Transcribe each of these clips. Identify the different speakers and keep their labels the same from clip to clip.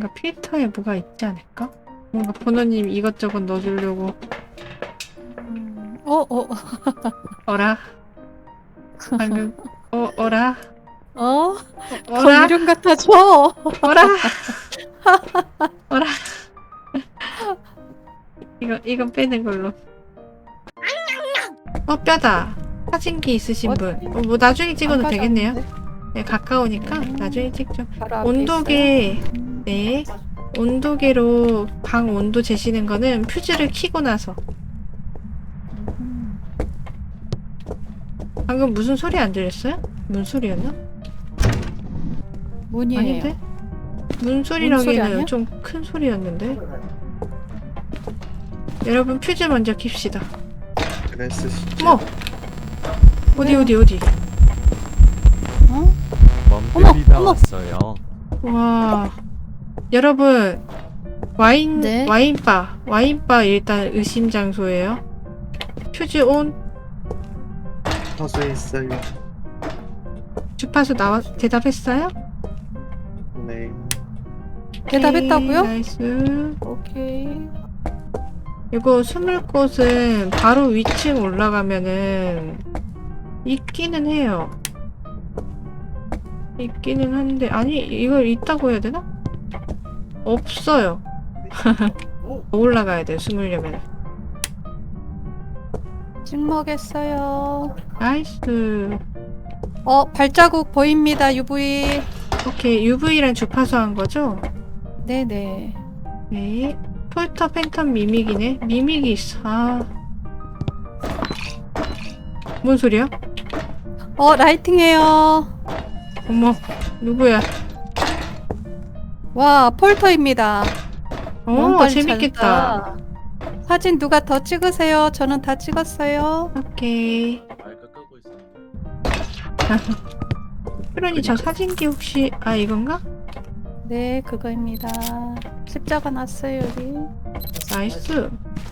Speaker 1: 뭔가 필터에 뭐가 있지 않을까? 뭔가 번호님 이것저것 넣어주려고. 어라? 방금 어라?
Speaker 2: 더
Speaker 1: 어라?
Speaker 2: 유령 같아져.
Speaker 1: 어라? 어라? 이건 빼는 걸로. 뼈다. 사진기 있으신 분. 뭐 나중에 찍어도 되겠네요. 네, 가까우니까 나중에 찍죠.
Speaker 2: 바로 앞에
Speaker 1: 온도계.
Speaker 2: 있어요?
Speaker 1: 네. 온도계로 방 온도 재시는 거는 퓨즈를 켜고 나서. 방금 무슨 소리 안 들렸어요? 문 소리였나?
Speaker 2: 문이에요.
Speaker 1: 아닌데? 문
Speaker 2: 소리
Speaker 1: 소리라기에는
Speaker 2: 아니야?
Speaker 1: 좀 큰 소리였는데. 여러분 퓨즈 먼저 킵시다.
Speaker 3: 그랬으시죠?
Speaker 1: 어머! 어디?
Speaker 2: 어?
Speaker 4: 멍들이
Speaker 2: 어머!
Speaker 4: 나왔어요.
Speaker 1: 와. 여러분
Speaker 2: 네?
Speaker 1: 와인바 일단 의심 장소예요. 퓨즈 온.
Speaker 3: 허수에 있어요.
Speaker 1: 주파수 대답했어요?
Speaker 3: 네.
Speaker 2: 대답했다고요?
Speaker 1: 오케이, 나이스.
Speaker 2: 오케이.
Speaker 1: 이거 숨을 곳은 바로 위층 올라가면은 있기는 해요. 있기는 한데 아니 이걸 있다고 해야 되나? 없어요. 더 올라가야 돼요 숨으려면.
Speaker 2: 찍먹했어요.
Speaker 1: 나이스.
Speaker 2: 발자국 보입니다. UV.
Speaker 1: 오케이 UV랑 주파수 한 거죠?
Speaker 2: 네네.
Speaker 1: 네. 폴터 팬텀 미믹이네. 미믹이 있어. 아. 뭔 소리야?
Speaker 2: 라이팅해요.
Speaker 1: 어머 누구야?
Speaker 2: 와, 폴터입니다. 너무 빨리
Speaker 1: 재밌겠다.
Speaker 2: 찾았다. 사진 누가 더 찍으세요? 저는 다 찍었어요.
Speaker 1: 오케이.
Speaker 4: 마이크 끄고 있어.
Speaker 1: 그러니 저 사진기 혹시 이건가?
Speaker 2: 네, 그거입니다. 십자가 났어요, 여기.
Speaker 1: 나이스.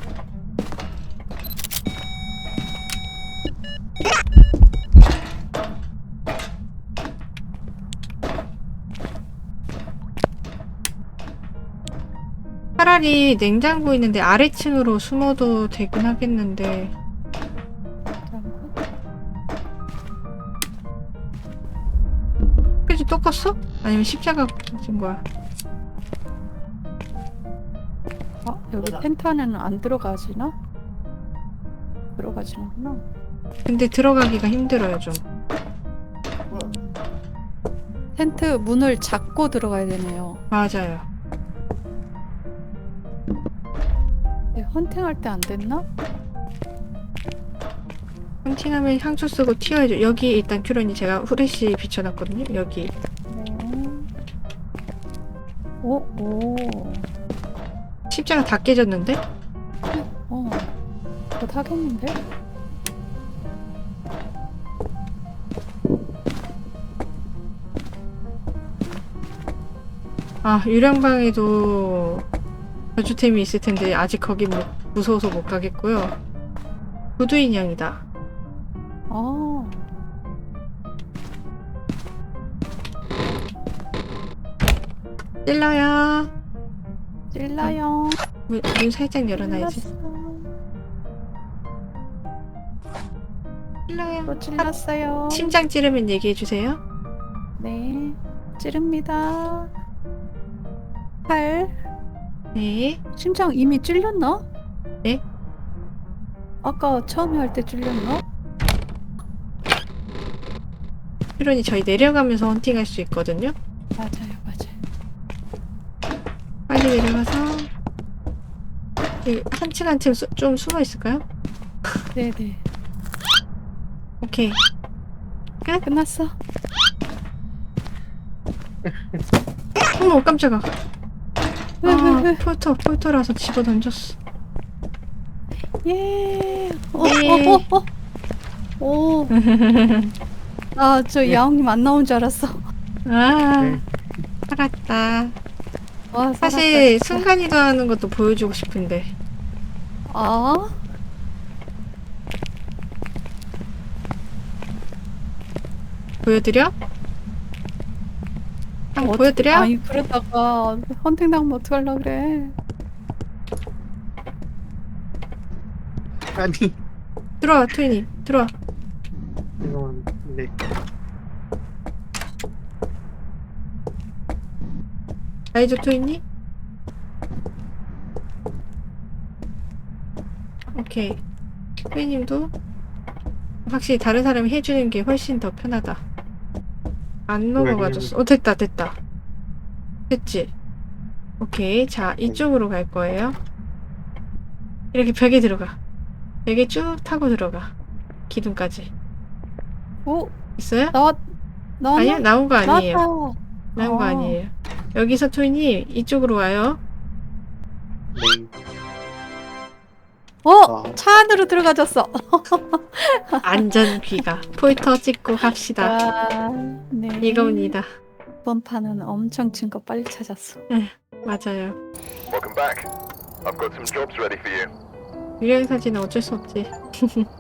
Speaker 1: 차라리 냉장고 있는데 아래층으로 숨어도 되긴 하겠는데. 그지 또 껐어? 아니면 십자가 꽂은 거야?
Speaker 2: 여기 펜타는 안 들어가지나? 들어가지는구나.
Speaker 1: 근데 들어가기가 힘들어요 좀.
Speaker 2: 텐트 문을 잡고 들어가야 되네요.
Speaker 1: 맞아요.
Speaker 2: 네, 헌팅할 때 안 됐나?
Speaker 1: 헌팅하면 향수 쓰고 튀어야죠. 여기 일단 큐런이 제가 후레쉬 비춰놨거든요. 여기.
Speaker 2: 네. 오.
Speaker 1: 십자가 다 깨졌는데?
Speaker 2: 곧 하겠는데?
Speaker 1: 유령방에도 저주템이 있을 텐데 아직 거기 무서워서 못 가겠고요. 구두 인형이다. 찔러요.
Speaker 2: 찔러요.
Speaker 1: 문 살짝 열어놔야지. 찔러요.
Speaker 2: 또 찔렀어요.
Speaker 1: 심장 찌르면 얘기해주세요.
Speaker 2: 네. 찌릅니다. 팔.
Speaker 1: 네.
Speaker 2: 심장 이미 찔렸나?
Speaker 1: 네?
Speaker 2: 아까 처음에 할 때 찔렸나?
Speaker 1: 큐런이 저희 내려가면서 헌팅할 수 있거든요.
Speaker 2: 맞아요.
Speaker 1: 빨리 내려가서 한층 한층 좀 숨어 있을까요?
Speaker 2: 네네.
Speaker 1: 오케이.
Speaker 2: 끝났어.
Speaker 1: 어머 깜짝아. 폴터라서 집어 던졌어.
Speaker 2: 예.
Speaker 1: 예.
Speaker 2: 오. 저 야옹님 안 나온 줄 알았어.
Speaker 1: 살았다.
Speaker 2: 와,
Speaker 1: 사실
Speaker 2: 살았다, 진짜.
Speaker 1: 순간이동하는 것도 보여주고 싶은데. 보여드려? 한번 보여드려?
Speaker 2: 아니 그러다가 헌팅 당하면 어떡하려 그래.
Speaker 3: 아니
Speaker 1: 들어와 트윈이 들어와.
Speaker 3: 이건 네.
Speaker 1: 라이저 트윈이? 오케이. 트윈님도 확실히 다른 사람이 해주는 게 훨씬 더 편하다. 안 넘어가졌어. 됐다 됐다. 됐지? 오케이. 자 이쪽으로 갈 거예요. 이렇게 벽에 들어가. 벽에 쭉 타고 들어가. 기둥까지.
Speaker 2: 오
Speaker 1: 있어요?
Speaker 2: 나왔나?
Speaker 1: 아니야 나온 거 아니에요.
Speaker 2: 나왔다.
Speaker 1: 나온 거 아니에요. 여기서 트윈이 이쪽으로 와요.
Speaker 3: 네.
Speaker 2: 차 안으로 들어가졌어.
Speaker 1: 안전 귀가. 폴터 찍고 갑시다.
Speaker 2: 아, 네.
Speaker 1: 이겁니다.
Speaker 2: 이번 판은 엄청 증거 빨리 찾았어.
Speaker 1: 맞아요.
Speaker 5: Welcome back. I've got some jobs ready for you.
Speaker 1: 유령 사진은 어쩔 수 없지.